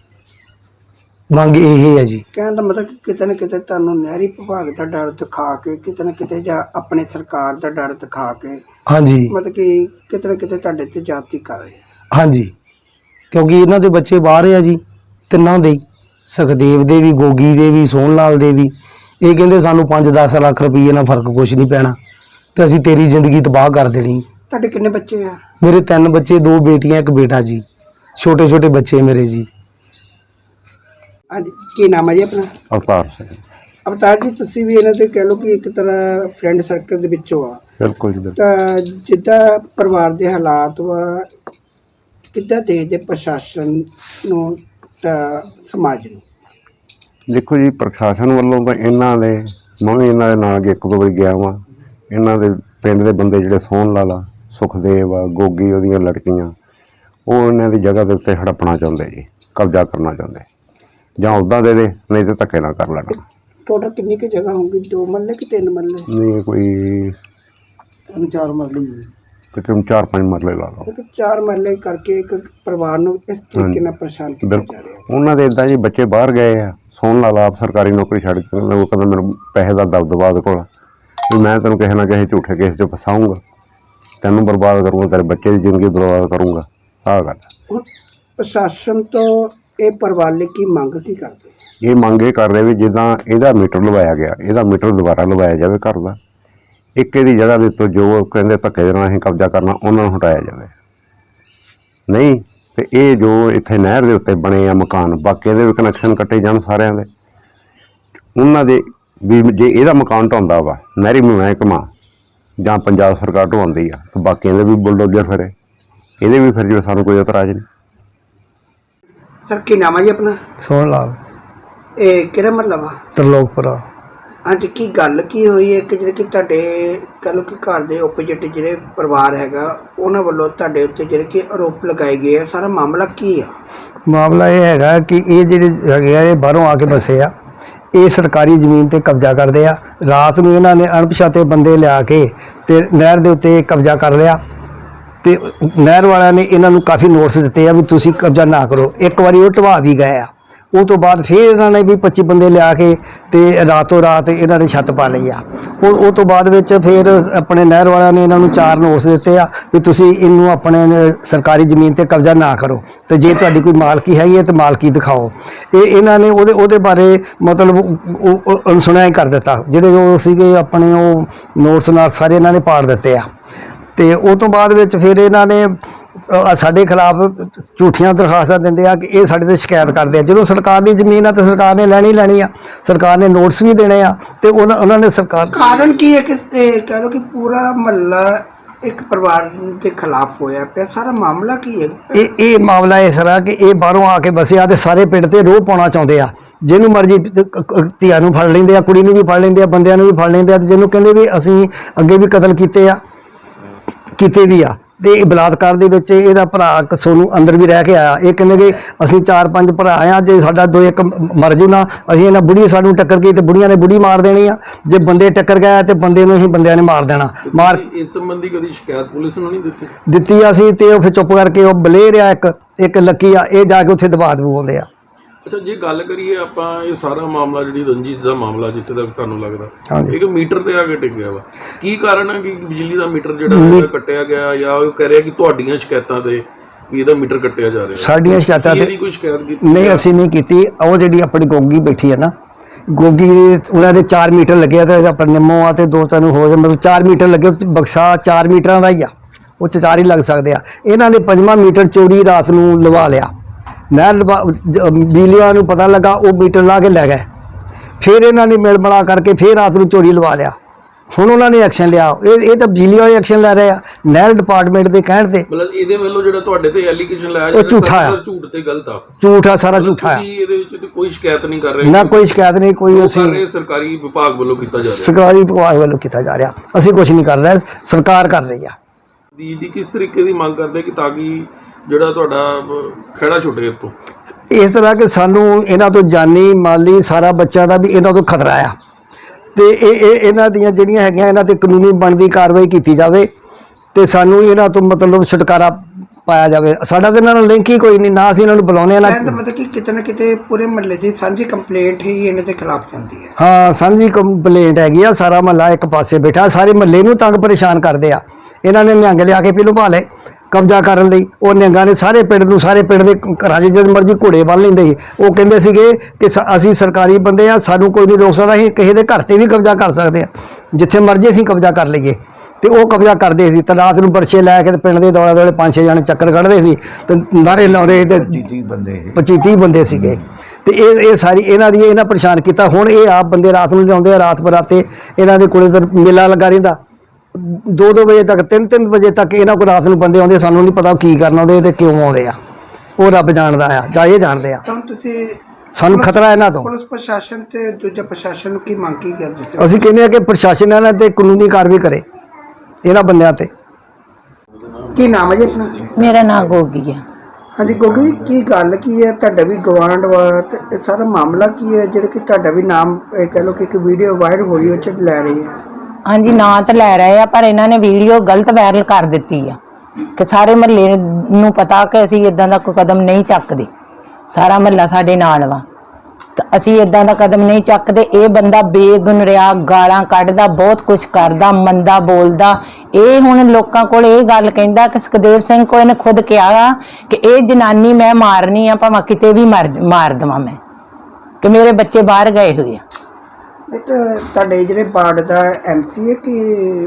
C: ਮੰਗ ਇਹ ਹੈ ਜੀ।
B: ਕਹਿਣ ਦਾ ਮਤਲਬ ਕਿ ਕਿਤੇ ਨਾ ਕਿਤੇ ਤੁਹਾਨੂੰ ਨਹਿਰੀ ਵਿਭਾਗ ਦਾ ਡਰ ਦਿਖਾ ਕੇ, ਕਿਤੇ ਨਾ ਕਿਤੇ ਜਾਂ ਆਪਣੇ ਸਰਕਾਰ ਦਾ ਡਰ ਦਿਖਾ ਕੇ,
C: ਹਾਂਜੀ
B: ਮਤਲਬ ਕਿ ਕਿਤੇ ਨਾ ਕਿਤੇ ਤੁਹਾਡੇ ਤੇ ਜਾਤੀ ਕਰ ਰਹੇ ਆ।
C: ਹਾਂਜੀ, ਕਿਉਂਕਿ ਇਹਨਾਂ ਦੇ ਬੱਚੇ ਬਾਹਰ ਆ ਜੀ, ਤਿੰਨਾਂ ਦੇ ਹੀ, ਸੁਖਦੇਵ ਦੇ ਵੀ, ਗੋਗੀ ਦੇ ਵੀ, ਸੋਹਣ ਲਾਲ ਦੇ ਵੀ। ਇਹ ਕਹਿੰਦੇ ਸਾਨੂੰ ਪੰਜ ਦਸ ਲੱਖ ਰੁਪਈਏ ਨਾਲ ਫਰਕ ਕੁਛ ਨਹੀਂ ਪੈਣਾ, ਤੇ ਅਸੀਂ ਤੇਰੀ ਜ਼ਿੰਦਗੀ ਤਬਾਹ ਕਰ ਦੇਣੀ।
B: ਤੁਹਾਡੇ ਕਿੰਨੇ ਬੱਚੇ ਆ?
C: ਮੇਰੇ ਤਿੰਨ ਬੱਚੇ, ਦੋ ਬੇਟੀਆਂ ਇੱਕ ਬੇਟਾ ਜੀ, ਛੋਟੇ ਛੋਟੇ ਬੱਚੇ ਮੇਰੇ ਜੀ।
B: ਹਾਂਜੀ, ਕੀ ਨਾਮ ਹੈ ਜੀ ਆਪਣਾ?
E: ਅਵਤਾਰ ਸਿੰਘ।
B: ਅਵਤਾਰ ਜੀ, ਤੁਸੀਂ ਵੀ ਇਹਨਾਂ ਦੇ ਕਹਿ ਲਓ ਕਿ ਇੱਕ ਤਰ੍ਹਾਂ ਫਰੈਂਡ ਸਰਕਲ ਦੇ ਵਿੱਚੋਂ ਆ।
E: ਬਿਲਕੁਲ ਜੀ, ਬਿਲਕੁਲ।
B: ਤਾਂ ਜਿੱਦਾਂ ਪਰਿਵਾਰ ਦੇ ਹਾਲਾਤ ਵਾ, ਕਿੱਦਾਂ ਦੇਖਦੇ ਪ੍ਰਸ਼ਾਸਨ ਨੂੰ ਤਾਂ ਸਮਾਜ ਨੂੰ?
E: ਦੇਖੋ ਜੀ, ਪ੍ਰਸ਼ਾਸਨ ਵੱਲੋਂ ਤਾਂ ਇਹਨਾਂ ਦੇ, ਮੈਂ ਵੀ ਇਹਨਾਂ ਦੇ ਨਾਲ ਅੱਗੇ ਇੱਕ ਦੋ ਵਾਰੀ ਗਿਆ ਵਾਂ। ਇਹਨਾਂ ਦੇ ਪਿੰਡ ਦੇ ਬੰਦੇ ਜਿਹੜੇ ਸੋਹਣ ਲਾਲਾ, ਸੁਖਦੇਵ ਆ, ਗੋਗੀ, ਉਹਦੀਆਂ ਲੜਕੀਆਂ, ਉਹ ਇਹਨਾਂ ਦੀ ਜਗ੍ਹਾ ਦੇ ਉੱਤੇ ਹੜੱਪਣਾ ਚਾਹੁੰਦੇ ਜੀ, ਕਬਜ਼ਾ ਕਰਨਾ ਚਾਹੁੰਦੇ। ਜਾਂ ਉੱਦਾਂ ਦੇ ਦੇ, ਨਹੀਂ ਤਾਂ ਧੱਕੇ ਨਾਲ ਕਰ ਲੈਣਾ।
B: ਟੋਟਲ ਕਿੰਨੀ ਕੁ ਜਗ੍ਹਾ ਹੋਊਗੀ? ਦੋ ਮਰਲੇ ਕਿ ਤਿੰਨ ਮਰਲੇ?
E: ਨਹੀਂ, ਕੋਈ
B: ਤਿੰਨ ਚਾਰ ਮਰਲੇ।
E: ਤਕਰੀਬਨ ਚਾਰ ਪੰਜ ਮਰਲੇ ਲਾ ਲਓ।
B: ਇੱਕ ਚਾਰ ਮਰਲੇ ਕਰਕੇ ਇੱਕ ਪਰਿਵਾਰ ਨੂੰ ਇਸ ਤਰੀਕੇ ਨਾਲ ਪਰੇਸ਼ਾਨ ਕੀਤਾ ਜਾ
E: ਬਿਲਕੁਲ।
B: ਰਿਹਾ।
E: ਉਹਨਾਂ ਦੇ ਇੱਦਾਂ ਜੀ ਬੱਚੇ ਬਾਹਰ ਗਏ ਆ। ਸੋਹਣ ਲਾਲਾ ਆਪ ਸਰਕਾਰੀ ਨੌਕਰੀ ਛੱਡ ਕੇ, ਉਹ ਕਹਿੰਦਾ ਮੈਨੂੰ ਪੈਸੇ ਦਾ ਦਬਦਬਾ ਉਹਦੇ ਕੋਲ, ਵੀ ਮੈਂ ਤੈਨੂੰ ਕਿਸੇ ਨਾ ਕਿਸੇ ਝੂਠੇ ਕੇਸ 'ਚ ਫਸਾਊਂਗਾ, ਤੈਨੂੰ ਬਰਬਾਦ ਕਰੂੰਗਾ, ਤੇਰੇ ਬੱਚੇ ਦੀ ਜ਼ਿੰਦਗੀ ਬਰਬਾਦ ਕਰੂੰਗਾ। ਆਹ ਗੱਲ
B: ਹੁਣ ਪ੍ਰਸ਼ਾਸਨ ਤੋਂ ਇਹ ਪਰਿਵਾਰ ਲਈ ਕੀ ਮੰਗ ਕੀ ਕਰਦੇ?
E: ਇਹ ਮੰਗ ਇਹ ਕਰ ਰਹੇ ਵੀ ਜਿੱਦਾਂ ਇਹਦਾ ਮੀਟਰ ਲਵਾਇਆ ਗਿਆ, ਇਹਦਾ ਮੀਟਰ ਦੁਬਾਰਾ ਲਵਾਇਆ ਜਾਵੇ ਘਰ ਦਾ। ਇੱਕ ਇਹਦੀ ਜਗ੍ਹਾ ਦੇ ਉੱਤੇ ਜੋ ਕਹਿੰਦੇ ਧੱਕੇ ਦੇ ਨਾਲ ਅਸੀਂ ਕਬਜ਼ਾ ਕਰਨਾ, ਉਹਨਾਂ ਨੂੰ ਹਟਾਇਆ ਜਾਵੇ। ਨਹੀਂ ਤੇ ਇਹ ਜੋ ਇੱਥੇ ਨਹਿਰ ਦੇ ਉੱਤੇ ਬਣੇ ਆ ਮਕਾਨ, ਬਾਕੀ ਦੇ ਵੀ ਕਨੈਕਸ਼ਨ ਕੱਟੇ ਜਾਣ ਸਾਰਿਆਂ ਦੇ। ਉਹਨਾਂ ਦੇ ਵੀ ਜੇ ਇਹਦਾ ਮਕਾਨ ਢਾਉਂਦਾ ਵਾ ਨਹਿਰੀ ਮਹਿਕਮਾ ਜਾਂ ਪੰਜਾਬ ਸਰਕਾਰ ਢਵਾਉਂਦੀ ਆ, ਤਾਂ ਬਾਕੀਆਂ ਦੇ ਵੀ ਬੁਲਡੋਜ਼ਰ ਫਿਰੇ, ਇਹਦੇ ਵੀ ਫਿਰ ਜੋ ਸਾਨੂੰ ਕੋਈ ਇਤਰਾਜ਼ ਨਹੀਂ।
B: ਸਰ, ਕੀ ਨਾਮ ਹੈ ਜੀ ਆਪਣਾ?
C: ਸੋਹਣ ਲਾਲ,
B: ਇਹ ਕਿਹੜਾ ਮਹੱਲਾ ਵਾ?
C: ਤਰਲੋਕਪੁਰਾ।
B: ਅੱਜ ਕੀ ਗੱਲ ਕੀ ਹੋਈ ਹੈ ਕਿ ਜਿਹੜੇ ਕਿ ਤੁਹਾਡੇ ਕਹਿ ਲਓ ਕਿ ਘਰ ਦੇ ਓਪੋਜਿਟ ਜਿਹੜੇ ਪਰਿਵਾਰ ਹੈਗਾ, ਉਹਨਾਂ ਵੱਲੋਂ ਤੁਹਾਡੇ ਉੱਤੇ ਜਿਹੜੇ ਕਿ ਆਰੋਪ ਲਗਾਏ ਗਏ ਆ, ਸਾਰਾ ਮਾਮਲਾ ਕੀ ਆ?
F: ਮਾਮਲਾ ਇਹ ਹੈਗਾ ਕਿ ਇਹ ਜਿਹੜੇ ਹੈਗੇ ਆ, ਇਹ ਬਾਹਰੋਂ ਆ ਕੇ ਬਸੇ ਆ। ਇਹ ਸਰਕਾਰੀ ਜ਼ਮੀਨ ਤੇ ਕਬਜ਼ਾ ਕਰਦੇ ਆ। ਰਾਤ ਨੂੰ ਇਹਨਾਂ ਨੇ ਅਣਪਛਾਤੇ ਬੰਦੇ ਲਿਆ ਕੇ ਤੇ ਨਹਿਰ ਦੇ ਉੱਤੇ ਕਬਜ਼ਾ ਕਰ ਲਿਆ, ਤੇ ਨਹਿਰ ਵਾਲਿਆਂ ਨੇ ਇਹਨਾਂ ਨੂੰ ਕਾਫੀ ਨੋਟਿਸ ਦਿੱਤੇ ਆ ਵੀ ਤੁਸੀਂ ਕਬਜ਼ਾ ਨਾ ਕਰੋ। ਇੱਕ ਵਾਰੀ ਉਹ ਢਵਾ ਵੀ ਗਏ ਆ। ਉਹ ਤੋਂ ਬਾਅਦ ਫਿਰ ਇਹਨਾਂ ਨੇ ਵੀ ਪੱਚੀ ਬੰਦੇ ਲਿਆ ਕੇ ਤੇ ਰਾਤੋਂ ਰਾਤ ਇਹਨਾਂ ਨੇ ਛੱਤ ਪਾ ਲਈ ਆ। ਉਹ ਉਹ ਤੋਂ ਬਾਅਦ ਵਿੱਚ ਫਿਰ ਆਪਣੇ ਨਹਿਰ ਵਾਲਿਆਂ ਨੇ ਇਹਨਾਂ ਨੂੰ ਚਾਰ ਨੋਟਿਸ ਦਿੱਤੇ ਆ ਵੀ ਤੁਸੀਂ ਇਹਨੂੰ ਆਪਣੇ ਸਰਕਾਰੀ ਜ਼ਮੀਨ ਤੇ ਕਬਜ਼ਾ ਨਾ ਕਰੋ, ਤੇ ਜੇ ਤੁਹਾਡੀ ਕੋਈ ਮਾਲਕੀ ਹੈਗੀ ਹੈ ਤਾਂ ਮਾਲਕੀ ਦਿਖਾਓ। ਇਹ ਇਹਨਾਂ ਨੇ ਉਹਦੇ ਉਹਦੇ ਬਾਰੇ ਮਤਲਬ ਅਣਸੁਣਿਆ ਹੀ ਕਰ ਦਿੱਤਾ। ਜਿਹੜੇ ਉਹ ਸੀਗੇ ਆਪਣੇ ਉਹ ਨੋਟਿਸ ਨਾਲ ਸਾਰੇ ਇਹਨਾਂ ਨੇ ਪਾੜ ਦਿੱਤੇ ਆ। ਤੇ ਉਹ ਤੋਂ ਬਾਅਦ ਵਿੱਚ ਫਿਰ ਇਹਨਾਂ ਨੇ ਸਾਡੇ ਖਿਲਾਫ ਝੂਠੀਆਂ ਦਰਖਾਸਤਾਂ ਦਿੰਦੇ ਆ ਕਿ ਇਹ ਸਾਡੇ ਤੇ ਸ਼ਿਕਾਇਤ ਕਰਦੇ ਆ। ਜਦੋਂ ਸਰਕਾਰ ਦੀ ਜ਼ਮੀਨ ਆ ਤਾਂ ਸਰਕਾਰ ਨੇ ਲੈਣੀ ਲੈਣੀ ਆ, ਸਰਕਾਰ ਨੇ ਨੋਟਿਸ ਵੀ ਦੇਣੇ ਆ, ਤੇ ਉਹਨਾਂ ਉਹਨਾਂ ਨੇ ਸਰਕਾਰ
B: ਕਾਰਨ ਕੀ ਹੈ ਕਿ ਇਹ ਕਹਿ ਲਓ ਕਿ ਪੂਰਾ ਮਹੱਲਾ ਇੱਕ ਪਰਿਵਾਰ ਦੇ ਖਿਲਾਫ ਹੋਇਆ ਪਿਆ, ਸਾਰਾ ਮਾਮਲਾ ਕੀ ਹੈ?
F: ਇਹ ਇਹ ਮਾਮਲਾ ਇਸ ਤਰ੍ਹਾਂ ਕਿ ਇਹ ਬਾਹਰੋਂ ਆ ਕੇ ਵਸਿਆ ਤੇ ਸਾਰੇ ਪਿੰਡ ਤੇ ਰੋਹ ਪਾਉਣਾ ਚਾਹੁੰਦੇ ਆ। ਜਿਹਨੂੰ ਮਰਜ਼ੀ ਧੀਆਂ ਨੂੰ ਫੜ ਲੈਂਦੇ ਆ, ਕੁੜੀ ਨੂੰ ਵੀ ਫੜ ਲੈਂਦੇ ਆ, ਬੰਦਿਆਂ ਨੂੰ ਵੀ ਫੜ ਲੈਂਦੇ ਆ, ਤੇ ਜਿਹਨੂੰ ਕਹਿੰਦੇ ਵੀ ਅਸੀਂ ਅੱਗੇ ਵੀ ਕਤਲ ਕੀਤੇ ਆ, ਕੀਤੇ ਵੀ ਆ, ਤੇ ਇਹ ਬਲਾਤਕਾਰ ਦੇ ਵਿੱਚ ਇਹਦਾ ਭਰਾ ਇੱਕ ਸੋਨੂੰ ਅੰਦਰ ਵੀ ਰਹਿ ਕੇ ਆਇਆ। ਇਹ ਕਹਿੰਦੇ ਕਿ ਅਸੀਂ ਚਾਰ ਪੰਜ ਭਰਾ ਆ, ਜੇ ਸਾਡਾ ਦੋ ਇੱਕ ਮਰ ਜੂ ਨਾ, ਅਸੀਂ ਇਹਨਾਂ ਬੁੜੀ ਸਾਨੂੰ ਟੱਕਰ ਗਈ ਤੇ ਬੁੜੀਆਂ ਨੇ ਬੁੜੀ ਮਾਰ ਦੇਣੀ ਆ, ਜੇ ਬੰਦੇ ਟੱਕਰ ਗਏ ਤੇ ਬੰਦੇ ਨੂੰ ਅਸੀਂ ਬੰਦਿਆਂ ਨੇ ਮਾਰ ਦੇਣਾ। ਮਾਰ
D: ਇਸ ਸੰਬੰਧੀ ਕਦੀ ਸ਼ਿਕਾਇਤ ਪੁਲਿਸ ਨੂੰ ਨਹੀਂ ਦਿੱਤੀ?
F: ਦਿੱਤੀ ਆ ਅਸੀਂ, ਤੇ ਉਹ ਫਿਰ ਚੁੱਪ ਕਰਕੇ ਉਹ ਬਲੇਰ ਆ ਇੱਕ ਇੱਕ ਲੱਕੀ ਆ, ਇਹ ਜਾ ਕੇ ਉੱਥੇ ਦਬਾ ਦਬੂਉਂਦੇ ਆ।
D: ਅੱਛਾ, ਜੇ ਗੱਲ ਕਰੀਏ ਆਪਾਂ ਇਹ ਸਾਰਾ ਮਾਮਲਾ ਜਿਹੜੀ ਰੰਜਿਸ਼ ਦਾ ਮਾਮਲਾ ਜਿੱਥੇ ਤੱਕ ਸਾਨੂੰ ਲੱਗਦਾ
F: ਹਾਂਜੀ।
D: ਇੱਕ ਮੀਟਰ ਤੇ ਆ ਕੇ ਟਿਕਿਆ ਵਾ, ਕੀ ਕਾਰਨ ਹੈ ਕਿ ਬਿਜਲੀ ਦਾ ਮੀਟਰ ਜਿਹੜਾ ਹੈਗਾ ਕੱਟਿਆ ਗਿਆ, ਜਾਂ ਉਹ ਕਹਿ ਰਿਹਾ ਕਿ ਤੁਹਾਡੀਆਂ ਸ਼ਿਕਾਇਤਾਂ ਤੇ ਵੀ ਇਹਦਾ ਮੀਟਰ ਕੱਟਿਆ ਜਾ ਰਿਹਾ?
F: ਸਾਡੀਆਂ ਸ਼ਿਕਾਇਤਾਂ
D: ਤੁਸੀਂ
F: ਤੇ
D: ਇਹਦੀ ਕੋਈ ਸ਼ਿਕਾਇਤ ਕੀਤੀ?
F: ਨਹੀਂ, ਅਸੀਂ ਨਹੀਂ ਕੀਤੀ। ਉਹ ਜਿਹੜੀ ਆਪਣੀ ਗੋਗੀ ਬੈਠੀ ਹੈ ਨਾ, ਗੋਗੀ ਦੇ ਉਹਨਾਂ ਦੇ ਚਾਰ ਮੀਟਰ ਲੱਗੇ ਆ, ਤੇ ਆਪਣੇ ਨਿੰਮੋ ਆ ਤੇ ਦੋ ਤਿੰਨ ਹੋ ਜਾ, ਮਤਲਬ ਚਾਰ ਮੀਟਰ ਲੱਗੇ। ਉਹ 'ਚ ਬਕਸਾ ਚਾਰ ਮੀਟਰਾਂ ਦਾ ਹੀ ਆ, ਉਹ 'ਚ ਚਾਰ ਹੀ ਲੱਗ ਸਕਦੇ ਆ। ਇਹਨਾਂ ਨੇ ਪੰਜਵਾਂ ਮੀਟਰ ਚੋਰੀ ਰਾਤ ਨੂੰ ਲਵਾ ਲਿਆ। ਨਹਿਰ ਲਵਾ ਬਿਜਲੀ ਵਾਲਿਆਂ ਨੂੰ ਪਤਾ ਲੱਗਾ, ਉਹ ਮੀਟਰ ਲਾ ਕੇ ਲੈ ਗਏ। ਫਿਰ ਇਹਨਾਂ ਨੇ ਮਿਲ ਮਿਲਾ ਕਰਕੇ ਫਿਰ ਰਾਤ ਨੂੰ ਚੋਰੀ ਲਵਾ ਲਿਆ। ਹੁਣ ਉਹਨਾਂ ਨੇ ਐਕਸ਼ਨ ਲਿਆ। ਇਹ ਇਹ ਤਾਂ ਬਿਜਲੀ ਵਾਲੇ ਐਕਸ਼ਨ ਲੈ ਰਹੇ ਆ ਨਹਿਰ ਡਿਪਾਰਟਮੈਂਟ ਦੇ ਕਹਿਣ ਤੇ।
D: ਮਤਲਬ ਇਹਦੇ ਵੱਲੋਂ ਜਿਹੜਾ ਤੁਹਾਡੇ ਤੇ ਐਲੀਗੇਸ਼ਨ ਲਾਇਆ
F: ਉਹ ਝੂਠਾ ਆ।
D: ਝੂਠ ਤੇ ਗਲਤ ਆ।
F: ਝੂਠ ਆ, ਸਾਰਾ ਝੂਠਾ ਆ।
D: ਤੁਸੀਂ ਇਹਦੇ ਵਿੱਚ ਤੇ ਕੋਈ ਸ਼ਿਕਾਇਤ ਨਹੀਂ ਕਰ ਰਹੇ?
F: ਨਾ ਕੋਈ ਸ਼ਿਕਾਇਤ ਨਹੀਂ, ਕੋਈ
D: ਉਹ
F: ਅਸੀਂ
D: ਕਰ ਰਹੇ ਸਰਕਾਰੀ ਵਿਭਾਗ ਵੱਲੋਂ ਕੀਤਾ ਜਾ ਰਿਹਾ?
F: ਸਰਕਾਰੀ ਵਿਭਾਗ ਵੱਲੋਂ ਕੀਤਾ ਜਾ ਰਿਹਾ। ਅਸੀਂ ਕੁਝ ਨਹੀਂ ਕਰ ਰਹੇ, ਸਰਕਾਰ ਕਰ ਰਹੀ ਆ।
D: ਦੀ ਦੀ ਕਿਸ ਤਰੀਕੇ ਦੀ ਮੰਗ ਕਰਦੇ ਕਿ ਤਾਂ ਕਿ ਜਿਹੜਾ ਤੁਹਾਡਾ ਖਹਿੜਾ ਛੁੱਟੇ ਇੱਥੋਂ?
F: ਇਸ ਤਰ੍ਹਾਂ ਕਿ ਸਾਨੂੰ ਇਹਨਾਂ ਤੋਂ ਜਾਨੀ ਮਾਲੀ ਸਾਰਾ ਬੱਚਿਆਂ ਦਾ ਵੀ ਇਹਨਾਂ ਤੋਂ ਖਤਰਾ ਆ, ਤੇ ਇਹ ਇਹ ਇਹਨਾਂ ਦੀਆਂ ਜਿਹੜੀਆਂ ਹੈਗੀਆਂ ਇਹਨਾਂ ਤੇ ਕਾਨੂੰਨੀ ਬਣਦੀ ਕਾਰਵਾਈ ਕੀਤੀ ਜਾਵੇ, ਤੇ ਸਾਨੂੰ ਇਹਨਾਂ ਤੋਂ ਮਤਲਬ ਛੁਟਕਾਰਾ ਪਾਇਆ ਜਾਵੇ। ਸਾਡਾ ਤੇ ਇਹਨਾਂ ਨਾਲ ਲਿੰਕ ਹੀ ਕੋਈ ਨਹੀਂ, ਨਾ ਅਸੀਂ ਇਹਨਾਂ ਨੂੰ ਬੁਲਾਉਂਦੇ ਆ ਨਾ।
B: ਕਹਿੰਦਾ ਮਤਲਬ ਕਿ ਕਿਤੇ ਨਾ ਕਿਤੇ ਪੂਰੇ ਮਹੱਲੇ ਦੀ ਸਾਂਝੀ ਕੰਪਲੇਂਟ ਹੀ ਇਹਨਾਂ ਦੇ ਖਿਲਾਫ ਜਾਂਦੀ ਹੈ।
F: ਹਾਂ, ਸਾਂਝੀ ਕੰਪਲੇਂਟ ਹੈਗੀ ਆ। ਸਾਰਾ ਮਹੱਲਾ ਇੱਕ ਪਾਸੇ ਬੈਠਾ, ਸਾਰੇ ਮਹੱਲੇ ਨੂੰ ਤੰਗ ਪਰੇਸ਼ਾਨ ਕਰਦੇ ਆ। ਇਹਨਾਂ ਨੇ ਨਿਹੰਗ ਲਿਆ ਕੇ ਪਹਿਲੋਂ ਪਾ ਲਏ ਕਬਜ਼ਾ ਕਰਨ ਲਈ। ਉਹ ਨਿਹੰਗਾਂ ਨੇ ਸਾਰੇ ਪਿੰਡ ਨੂੰ, ਸਾਰੇ ਪਿੰਡ ਦੇ ਘਰਾਂ 'ਚ ਜਦ ਮਰਜ਼ੀ ਘੋੜੇ ਬੰਨ ਲੈਂਦੇ ਸੀ। ਉਹ ਕਹਿੰਦੇ ਸੀਗੇ ਕਿ ਸ- ਅਸੀਂ ਸਰਕਾਰੀ ਬੰਦੇ ਆ, ਸਾਨੂੰ ਕੋਈ ਨਹੀਂ ਰੋਕ ਸਕਦਾ, ਅਸੀਂ ਕਿਸੇ ਦੇ ਘਰ ਤੇ ਵੀ ਕਬਜ਼ਾ ਕਰ ਸਕਦੇ ਆ, ਜਿੱਥੇ ਮਰਜ਼ੀ ਅਸੀਂ ਕਬਜ਼ਾ ਕਰ ਲਈਏ। ਤੇ ਉਹ ਕਬਜ਼ਾ ਕਰਦੇ ਸੀ, ਤੇ ਰਾਤ ਨੂੰ ਬਰਛੇ ਲੈ ਕੇ ਤੇ ਪਿੰਡ ਦੇ ਦੌਲੇ ਦੌਲੇ ਪੰਜ ਛੇ ਜਣੇ ਚੱਕਰ ਕੱਢਦੇ ਸੀ ਤੇ ਨਾਰੇ ਲਾਉਂਦੇ, ਤੇ ਪੱਚੀ ਤੀਹ ਬੰਦੇ ਸੀਗੇ। ਤੇ ਇਹ ਇਹ ਸਾਰੀ ਇਹਨਾਂ ਦੀ ਇਹਨਾਂ ਪਰੇਸ਼ਾਨ ਕੀਤਾ। ਹੁਣ ਇਹ ਆਪ ਬੰਦੇ ਰਾਤ ਨੂੰ ਲਿਆਉਂਦੇ ਆ, ਰਾਤ ਬਰਾਤੇ ਇਹਨਾਂ ਦੇ ਕੋਲੇ ਤਾਂ ਮੇਲਾ ਲੱਗਾ ਰਹਿੰਦਾ ਦੋ ਦੋ ਵਜੇ ਤੱਕ, ਤਿੰਨ ਤਿੰਨ ਵਜੇ ਤੱਕ ਇਹਨਾਂ ਕੋਲ ਰਾਤ ਨੂੰ ਬੰਦੇ ਆਉਂਦੇ। ਸਾਨੂੰ ਨਹੀਂ ਪਤਾ ਕੀ ਕਰਨ ਆਉਂਦੇ ਤੇ ਕਿਉਂ ਆਉਂਦੇ ਆ, ਉਹ ਰੱਬ ਜਾਣਦਾ ਆ, ਜਾਂ ਇਹ ਜਾਣਦੇ ਆ।
B: ਤਾਂ ਤੁਸੀਂ
F: ਸਾਨੂੰ ਖਤਰਾ ਇਹਨਾਂ ਤੋਂ।
B: ਪੁਲਿਸ ਪ੍ਰਸ਼ਾਸਨ ਤੇ ਦੂਜਾ ਪ੍ਰਸ਼ਾਸਨ ਨੂੰ ਕੀ ਮੰਗ ਕੀ ਕਰਦੇ ਸੀ?
F: ਅਸੀਂ ਕਹਿੰਦੇ ਆ ਕਿ ਪ੍ਰਸ਼ਾਸਨ ਇਹਨਾਂ ਤੇ ਕਾਨੂੰਨੀ ਕਾਰਵਾਈ ਕਰੇ ਇਹਨਾਂ ਬੰਦਿਆਂ ਤੇ।
B: ਕੀ ਨਾਮ ਹੈ ਜੀ ਆਪਣਾ?
G: ਮੇਰਾ ਨਾਮ ਗੋਗੀ ਆ।
B: ਹਾਂਜੀ ਗੋਗੀ, ਕੀ ਗੱਲ ਕੀ ਹੈ? ਤੁਹਾਡਾ ਵੀ ਗਵਾਂਢ ਵਾ, ਤੇ ਇਹ ਸਾਰਾ ਮਾਮਲਾ ਕੀ ਹੈ ਜਿਹੜਾ ਕਿ ਤੁਹਾਡਾ ਵੀ ਨਾਮ ਇਹ ਕਹਿ ਲਓ ਕਿ ਇੱਕ ਵੀਡੀਓ ਵਾਇਰਲ ਹੋ ਰਹੀ ਹੈ, ਉਹ 'ਚ ਲੈ ਰਹੀ ਹੈ?
G: ਹਾਂਜੀ, ਨਾਂ ਤਾਂ ਲੈ ਰਹੇ ਆ, ਪਰ ਇਹਨਾਂ ਨੇ ਵੀਡੀਓ ਗਲਤ ਵਾਇਰਲ ਕਰ ਦਿੱਤੀ ਆ ਕਿ ਸਾਰੇ ਮਹੱਲੇ ਨੂੰ ਪਤਾ ਕਿ ਅਸੀਂ ਇਦਾਂ ਦਾ ਕੋਈ ਕਦਮ ਨਹੀਂ ਚੱਕਦੇ। ਸਾਰਾ ਮਹੱਲਾ ਸਾਡੇ ਨਾਲ ਵਾ, ਤਾਂ ਅਸੀਂ ਇਦਾਂ ਦਾ ਕਦਮ ਨਹੀਂ ਚੱਕਦੇ। ਇਹ ਬੰਦਾ ਬੇਗੁਨਰਿਆ ਗਾਲਾਂ ਕੱਢਦਾ, ਬਹੁਤ ਕੁਝ ਕਰਦਾ, ਮੰਦਾ ਬੋਲਦਾ। ਇਹ ਹੁਣ ਲੋਕਾਂ ਕੋਲ ਇਹ ਗੱਲ ਕਹਿੰਦਾ ਕਿ ਸੁਖਦੇਵ ਸਿੰਘ ਕੋਲ ਇਹਨੇ ਖੁਦ ਕਿਹਾ ਕਿ ਇਹ ਜਨਾਨੀ ਮੈਂ ਮਾਰਨੀ ਆ, ਭਾਵੇਂ ਕਿਤੇ ਵੀ ਮਾਰ ਮਾਰ ਦੇਵਾਂ ਮੈਂ, ਕਿ ਮੇਰੇ ਬੱਚੇ ਬਾਹਰ ਗਏ ਹੋਏ ਆ।
B: ਇਹ ਤਾਂ ਤੁਹਾਡੇ ਜਿਹੜੇ ਵਾਰਡ ਦਾ ਐਮਸੀ ਹੈ ਕਿ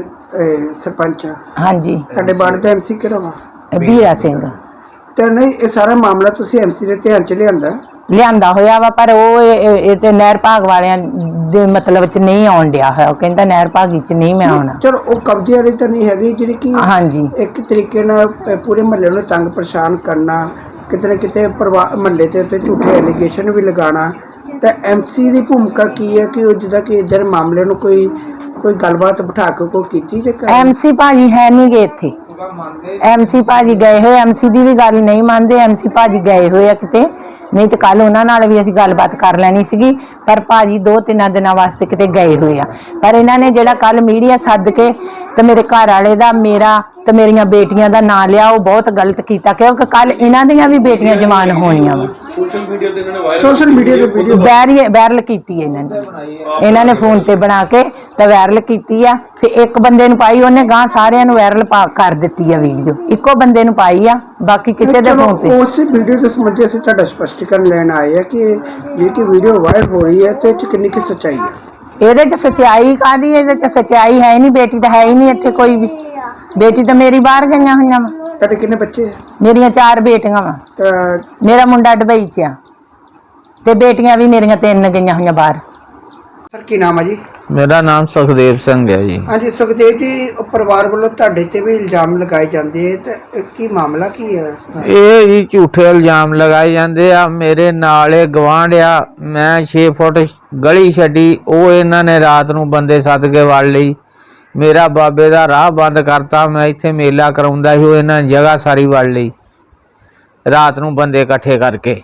B: ਇਹ ਸਰਪੰਚ ਆ?
G: ਹਾਂਜੀ,
B: ਤੁਹਾਡੇ ਵਾਰਡ ਦਾ ਐਮਸੀ ਕਿਹੜਾ ਵਾ?
G: ਵੀਰਾ ਸਿੰਘ
B: ਤੇ ਨਹੀਂ, ਇਹ ਸਾਰਾ ਮਾਮਲਾ ਤੁਸੀਂ ਐਮਸੀ ਦੇ ਧਿਆਨ 'ਚ ਲਿਆਂਦਾ?
G: ਲਿਆਂਦਾ ਹੋਇਆ ਵਾ, ਪਰ ਉਹ ਇਹ ਇਹ ਤੇ ਨਹਿਰ ਭਾਗ ਵਾਲਿਆਂ ਦੇ ਮਤਲਬ ਚ ਨਹੀਂ ਆਉਣ ਡਿਆ ਹੋਇਆ। ਉਹ ਕਹਿੰਦਾ ਨਹਿਰ ਭਾਗੀ ਚ ਨਹੀਂ ਮੈਂ ਆਉਣਾ।
B: ਚਲੋ, ਉਹ ਕਬਜ਼ੇ ਵਾਲੀ ਤਾਂ ਨਹੀਂ ਹੈਗੀ ਜਿਹੜੀ ਕਿ
G: ਹਾਂਜੀ,
B: ਇੱਕ ਤਰੀਕੇ ਨਾਲ ਅ, ਪੂਰੇ ਮਹੱਲੇ ਨੂੰ ਤੰਗ ਪਰੇਸ਼ਾਨ ਕਰਨਾ, ਕਿਤੇ ਨਾ ਕਿਤੇ ਪਰਿਵਾਰ ਮਹੱਲੇ ਦੇ ਉੱਤੇ ਝੂਠੇ ਐਲੀਗੇਸ਼ਨ ਵੀ ਲਗਾਉਣਾ। ਤਾਂ ਐਮਸੀ ਦੀ ਭੂਮਿਕਾ ਕੀ ਹੈ ਕਿ ਉਹ ਜਿੱਦਾਂ ਕਿ ਇੱਧਰ ਮਾਮਲੇ ਨੂੰ ਕੋਈ ਕੋਈ ਗੱਲਬਾਤ ਬਿਠਾ ਕੇ ਕੋਈ ਕੀਤੀ ਜੇ?
G: ਐਮਸੀ ਭਾਜੀ ਹੈ ਨਹੀਂ ਗਏ ਇੱਥੇ। ਐਮਸੀ ਭਾਜੀ ਗਏ ਹੋਏ, ਐਮਸੀ ਦੀ ਵੀ ਗੱਲ ਨਹੀਂ ਮੰਨਦੇ। ਐਮਸੀ ਭਾਜੀ ਗਏ ਹੋਏ ਆ ਕਿਤੇ, ਨਹੀਂ ਤੇ ਕੱਲ ਉਹਨਾਂ ਨਾਲ ਵੀ ਅਸੀਂ ਗੱਲਬਾਤ ਕਰ ਲੈਣੀ ਸੀਗੀ, ਪਰ ਭਾਜੀ ਦੋ ਤਿੰਨ ਦਿਨਾਂ ਵਾਸਤੇ ਕਿਤੇ ਗਏ ਹੋਏ ਆ। ਪਰ ਇਹਨਾਂ ਨੇ ਜਿਹੜਾ ਕੱਲ ਮੀਡੀਆ ਸੱਦ ਕੇ ਤੇ ਮੇਰੇ ਘਰ ਵਾਲੇ ਦਾ, ਮੇਰਾ ਤੇ ਮੇਰੀਆਂ ਬੇਟੀਆਂ ਦਾ ਨਾਂ ਲਿਆ, ਉਹ ਬਹੁਤ ਗਲਤ ਕੀਤਾ, ਕਿਉਂਕਿ ਕੱਲ ਇਹਨਾਂ ਦੀਆਂ ਵੀ ਬੇਟੀਆਂ ਜਵਾਨ ਹੋਣੀਆਂ ਵਾ।
D: ਸੋਸ਼ਲ ਮੀਡੀਆ ਤੇ ਇਹਨਾਂ ਨੇ ਵਾਇਰਲ
B: ਸੋਸ਼ਲ ਮੀਡੀਆ ਤੇ ਵੀਡੀਓ
G: ਵਾਇਰਲ ਵਾਇਰਲ ਕੀਤੀ ਇਹਨਾਂ ਨੇ, ਇਹਨਾਂ ਨੇ ਫੋਨ ਤੇ ਬਣਾ ਕੇ ਤੇ ਵਾਇਰਲ ਕੀਤੀ ਆ। ਫਿਰ ਇੱਕ ਬੰਦੇ ਨੂੰ ਪਾਈ, ਉਹਨੇ ਗਾਂ ਸਾਰਿਆਂ ਨੂੰ ਵਾਇਰਲ ਪਾ ਕਰ ਦਿੱਤੀ ਆ ਵੀਡੀਓ। ਇੱਕੋ ਬੰਦੇ ਨੂੰ ਪਾਈ ਆ, ਬਾਕੀ ਕਿਸੇ ਦੇ ਫੋਨ ਤੇ।
B: ਉਸ ਵੀਡੀਓ ਦੇ ਸੰਬੰਧੀ ਅਸੀਂ ਤੁਹਾਡਾ ਸਪਸ਼ਟੀਕਰਨ ਲੈਣ ਆਏ ਆ ਕਿ ਜਿਹੜੀ ਕਿ ਵੀਡੀਓ ਵਾਇਰਲ ਹੋ ਰਹੀ ਹੈ ਤੇ ਇਹ 'ਚ ਕਿੰਨੀ ਕੁ ਸੱਚਾਈ ਹੈ?
G: ਇਹਦੇ ਚ ਸੱਚਾਈ ਕਾਹਦੀ? ਇਹਦੇ ਚ ਸੱਚਾਈ ਹੈ ਨਹੀਂ। ਬੇਟੀ ਤਾਂ ਹੈ ਹੀ ਨਹੀਂ ਇੱਥੇ ਕੋਈ ਵੀ। ਬੇਟੀ ਤਾਂ ਮੇਰੀ ਬਾਹਰ ਗਈਆਂ ਹੋਈਆਂ ਵਾ।
B: ਤੁਹਾਡੇ ਕਿੰਨੇ ਬੱਚੇ ਆ?
G: ਮੇਰੀਆਂ ਚਾਰ ਬੇਟੀਆਂ ਵਾ।
B: ਤਾਂ
G: ਮੇਰਾ ਮੁੰਡਾ ਦੁਬਈ ਚ ਆ, ਤੇ ਬੇਟੀਆਂ ਵੀ ਮੇਰੀਆਂ ਤਿੰਨ ਗਈਆਂ ਹੋਈਆਂ ਬਾਹਰ।
B: ਸਰ ਕੀ ਨਾਮ ਹੈ ਜੀ?
H: ਮੇਰਾ ਨਾਮ ਸੁਖਦੇਵ ਸਿੰਘ ਹੈ ਜੀ।
B: ਹਾਂਜੀ ਸੁਖਦੇਵ ਜੀ, ਉਹ ਪਰਿਵਾਰ ਵੱਲੋਂ ਤੁਹਾਡੇ ਤੇ ਵੀ ਇਲਜ਼ਾਮ ਲਗਾਏ ਜਾਂਦੇ ਤੇ ਇਹ ਕੀ ਮਾਮਲਾ ਕੀ ਹੈ?
H: ਇਹ ਜੀ ਝੂਠੇ ਇਲਜ਼ਾਮ ਲਗਾਏ ਜਾਂਦੇ ਆ। ਮੇਰੇ ਨਾਲ ਇਹ ਗਵਾਂਢ ਆ, ਮੈਂ ਛੇ ਫੁੱਟ ਗਲੀ ਛੱਡੀ, ਉਹ ਇਹਨਾਂ ਨੇ ਰਾਤ ਨੂੰ ਬੰਦੇ ਸੱਦ ਕੇ ਵੜ ਲਈ। ਮੇਰਾ ਬਾਬੇ ਦਾ ਰਾਹ ਬੰਦ ਕਰਤਾ। ਮੈਂ ਇੱਥੇ ਮੇਲਾ ਕਰਾਉਂਦਾ ਸੀ, ਉਹ ਇਹਨਾਂ ਨੇ ਜਗ੍ਹਾ ਸਾਰੀ ਵੜ ਲਈ ਰਾਤ ਨੂੰ ਬੰਦੇ ਇਕੱਠੇ ਕਰਕੇ।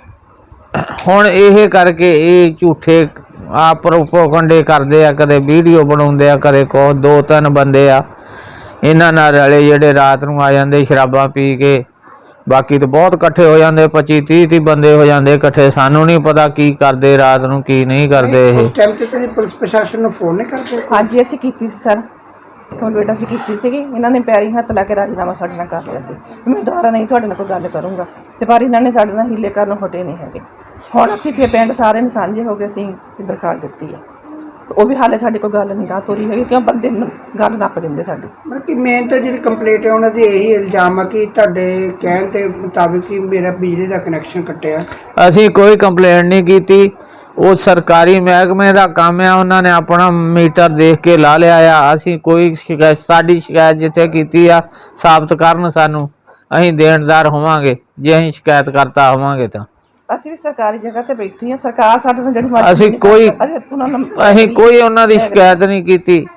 H: ਹੁਣ ਇਹ ਕਰਕੇ ਇਹ ਝੂਠੇ ਆ ਪ੍ਰੋਪੋਗੰਡੇ ਕਰਦੇ ਆ, ਕਦੇ ਵੀਡੀਓ ਬਣਾਉਂਦੇ ਆ, ਕਦੇ ਕੋ ਦੋ ਤਿੰਨ ਬੰਦੇ ਆ ਇਹਨਾਂ ਨਾਲ ਰਲੇ ਜਿਹੜੇ ਰਾਤ ਨੂੰ ਆ ਜਾਂਦੇ ਸ਼ਰਾਬਾਂ ਪੀ ਕੇ। ਬਾਕੀ ਤਾਂ ਬਹੁਤ ਇਕੱਠੇ ਹੋ ਜਾਂਦੇ, ਪੱਚੀ ਤੀਹ ਤੀਹ ਬੰਦੇ ਹੋ ਜਾਂਦੇ ਇਕੱਠੇ। ਸਾਨੂੰ ਨਹੀਂ ਪਤਾ ਕੀ ਕਰਦੇ ਰਾਤ ਨੂੰ ਕੀ ਨਹੀਂ ਕਰਦੇ ਇਹ।
B: ਉਸ ਟਾਈਮ ਤੇ ਤੁਸੀਂ ਪੁਲਿਸ ਪ੍ਰਸ਼ਾਸਨ ਨੂੰ ਫੋਨ ਨਹੀਂ ਕਰਦੇ?
I: ਹਾਂਜੀ ਅਸੀਂ ਕੀਤੀ ਸੀ ਸਰ, ਕੰਪਲੇਂਟ ਅਸੀਂ ਕੀਤੀ ਸੀਗੀ। ਇਹਨਾਂ ਨੇ ਪੈਰੀ ਹੱਥ ਲਾ ਕੇ ਰਾਜੀਨਾਮਾ ਸਾਡੇ ਨਾਲ ਕਰ ਲਿਆ ਸੀ, ਮੈਂ ਦੁਬਾਰਾ ਨਹੀਂ ਤੁਹਾਡੇ ਨਾਲ ਕੋਈ ਗੱਲ ਕਰੂੰਗਾ, ਤੇ ਪਰ ਇਹਨਾਂ ਨੇ ਸਾਡੇ ਨਾਲ ਹੀਲੇ ਕਰਨ ਹਟੇ ਨਹੀਂ ਹੈਗੇ। ਹੁਣ ਅਸੀਂ ਫਿਰ ਪਿੰਡ ਸਾਰੇ ਨੂੰ ਸਾਂਝੇ ਹੋ ਕੇ ਅਸੀਂ ਦਰਖਾਸਤ ਦਿੱਤੀ ਹੈ, ਉਹ ਵੀ ਹਾਲੇ ਸਾਡੀ ਕੋਈ ਗੱਲ ਨਹੀਂ ਗਾ ਤੋਰੀ ਹੈਗੀ, ਕਿਉਂ ਬੰਦੇ ਨੂੰ ਗੱਲ ਨੱਪ ਦਿੰਦੇ ਸਾਡੀ।
B: ਮਤਲਬ ਕਿ ਮੇਨ ਤਾਂ ਜਿਹੜੀ ਕੰਪਲੇਂਟ ਹੈ ਉਹਨਾਂ ਦੀ ਇਹੀ ਇਲਜ਼ਾਮ ਆ ਕਿ ਤੁਹਾਡੇ ਕਹਿਣ ਦੇ ਮੁਤਾਬਿਕ ਹੀ ਮੇਰਾ ਬਿਜਲੀ ਦਾ ਕਨੈਕਸ਼ਨ ਕੱਟਿਆ।
H: ਅਸੀਂ ਕੋਈ ਕੰਪਲੇਂਟ ਨਹੀਂ ਕੀਤੀ, ਉਹ ਸਰਕਾਰੀ ਮਹਿਕਮੇ ਦਾ ਕੰਮ ਆ, ਉਹਨਾਂ ਨੇ ਆਪਣਾ ਮੀਟਰ ਦੇਖ ਕੇ ਲਾ ਲਿਆ ਆ। ਅਸੀਂ ਕੋਈ ਸ਼ਿਕਾਇਤ, ਸਾਡੀ ਸ਼ਿਕਾਇਤ ਜਿੱਥੇ ਕੀਤੀ ਆ ਸਾਬਤ ਕਰਨ ਸਾਨੂੰ, ਅਸੀਂ ਦੇਣਦਾਰ ਹੋਵਾਂਗੇ ਜੇ ਅਸੀਂ ਸ਼ਿਕਾਇਤ ਕਰਤਾ ਹੋਵਾਂਗੇ ਤਾਂ।
I: ਅਸੀਂ ਵੀ ਸਰਕਾਰੀ ਜਗ੍ਹਾ ਤੇ ਬੈਠੀ ਹਾਂ, ਸਰਕਾਰ ਸਾਡੇ ਨਾਲ ਜਿਹੜੀ
H: ਅਸੀਂ ਕੋਈ
I: ਉਹਨਾਂ ਨੂੰ
H: ਅਸੀਂ ਕੋਈ ਉਹਨਾਂ ਦੀ ਸ਼ਿਕਾਇਤ ਨਹੀਂ ਕੀਤੀ,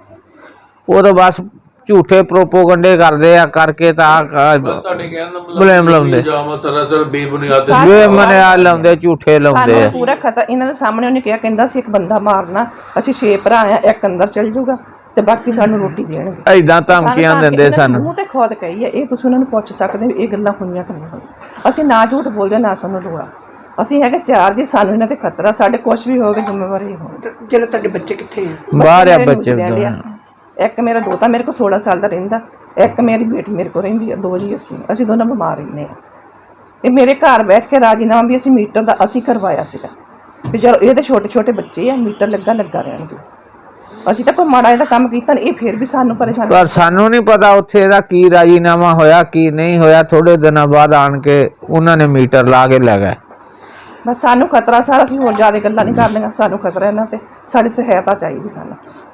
H: ਉਹ ਤਾਂ ਬਸ ਝੂਠੇ ਪ੍ਰੋਪੋਗੰਡੇ ਕਰਦੇ ਆ ਕਰਕੇ ਤਾਂ
D: ਤੁਹਾਡੇ ਕਹਿਣ ਦਾ ਮਤਲਬ
H: ਬਲੇਮ ਲਾਉਂਦੇ,
D: ਇਲਜ਼ਾਮ ਸਰਾਸਰ ਬੇਬੁਨਿਆਦ
H: ਬੇਮਨਿਆ ਲਾਉਂਦੇ, ਝੂਠੇ ਲਾਉਂਦੇ
I: ਸਾਨੂੰ
H: ਆ।
I: ਪੂਰਾ ਖਤਰਾ ਇਹਨਾਂ ਦੇ ਸਾਹਮਣੇ ਉਹਨੇ ਕਿਹਾ, ਕਹਿੰਦਾ ਸੀ ਇੱਕ ਬੰਦਾ ਮਾਰਨਾ, ਅਸੀਂ ਛੇ ਭਰਾ ਆ, ਇੱਕ ਅੰਦਰ ਚਲ ਜਾਊਗਾ ਤੇ ਬਾਕੀ ਸਾਨੂੰ ਰੋਟੀ ਦੇਣਗੇ।
H: ਐਦਾਂ ਧਮਕੀਆਂ ਦਿੰਦੇ ਸਾਨੂੰ।
I: ਮੂੰਹ ਤੇ ਖੁਦ ਕਹੀ ਹੈ, ਇਹ ਤੁਸੀਂ ਉਹਨਾਂ ਨੂੰ ਪੁੱਛ ਸਕਦੇ ਵੀ ਇਹ ਗੱਲਾਂ ਹੋਈਆਂ ਕਿ ਨਹੀਂ ਹੋਈਆਂ। ਅਸੀਂ ਨਾ ਝੂਠ ਬੋਲਦੇ ਨਾ ਸਾਨੂੰ ਲੋੜਾ, ਅਸੀਂ ਹੈਗੇ ਚਾਰ ਜੀ, ਸਾਨੂੰ ਇਹਨਾਂ ਤੇ ਖਤਰਾ, ਸਾਡੇ ਕੁਛ ਵੀ ਹੋਵੇ ਜ਼ਿੰਮੇਵਾਰੀ ਹੋ।
B: ਜਿਹੜੇ ਤੁਹਾਡੇ ਬੱਚੇ ਕਿੱਥੇ ਆ?
H: ਬਾਹਰ ਆ
I: ਮੇਰੇ
H: ਬੱਚੇ
I: ਨਿਊਜ਼ੀਲੈਂਡ ਆ। ਇੱਕ ਮੇਰਾ ਦੋਤਾ ਮੇਰੇ ਕੋਲ ਸੋਲਾਂ ਸਾਲ ਦਾ ਰਹਿੰਦਾ, ਇੱਕ ਮੇਰੀ ਬੇਟੀ ਮੇਰੇ ਕੋਲ ਰਹਿੰਦੀ ਆ, ਦੋ ਜੀ ਅਸੀਂ ਅਸੀਂ ਦੋਨੋਂ ਬਿਮਾਰ ਰਹਿੰਦੇ ਆ। ਇਹ ਮੇਰੇ ਘਰ ਬੈਠ ਕੇ ਰਾਜੀਨਾਮਾ ਵੀ ਅਸੀਂ ਮੀਟਰ ਦਾ ਅਸੀਂ ਕਰਵਾਇਆ ਸੀਗਾ ਵੀ ਚਲੋ ਇਹਦੇ ਛੋਟੇ ਛੋਟੇ ਬੱਚੇ ਆ, ਮੀਟਰ ਲੱਗਾ ਲੱਗਾ ਰਹਿਣਗੇ। ਅਸੀਂ ਤਾਂ ਕੋਈ ਮਾੜਾ ਇਹਦਾ ਕੰਮ ਕੀਤਾ ਨਹੀਂ, ਇਹ ਫਿਰ ਵੀ ਸਾਨੂੰ ਪਰੇਸ਼ਾਨ।
H: ਪਰ ਸਾਨੂੰ ਨਹੀਂ ਪਤਾ ਉੱਥੇ ਇਹਦਾ ਕੀ ਰਾਜੀਨਾਮਾ ਹੋਇਆ ਕੀ ਨਹੀਂ ਹੋਇਆ। ਥੋੜੇ ਦਿਨਾਂ ਬਾਅਦ ਆਣ ਕੇ ਉਹਨਾਂ ਨੇ ਮੀਟਰ ਲਾ ਕੇ ਲੈ ਗਏ।
I: ਬਸ ਸਾਨੂੰ ਖਤਰਾ ਸਾਰਾ, ਅਸੀਂ ਹੋਰ ਜ਼ਿਆਦਾ ਗੱਲਾਂ ਨਹੀਂ ਕਰਨੀਆਂ, ਸਾਨੂੰ ਖਤਰਾ ਇਹਨਾਂ ਤੇ, ਸਾਡੀ ਸਹਾਇਤਾ ਚਾਹੀਦੀ ਸਾਨੂੰ।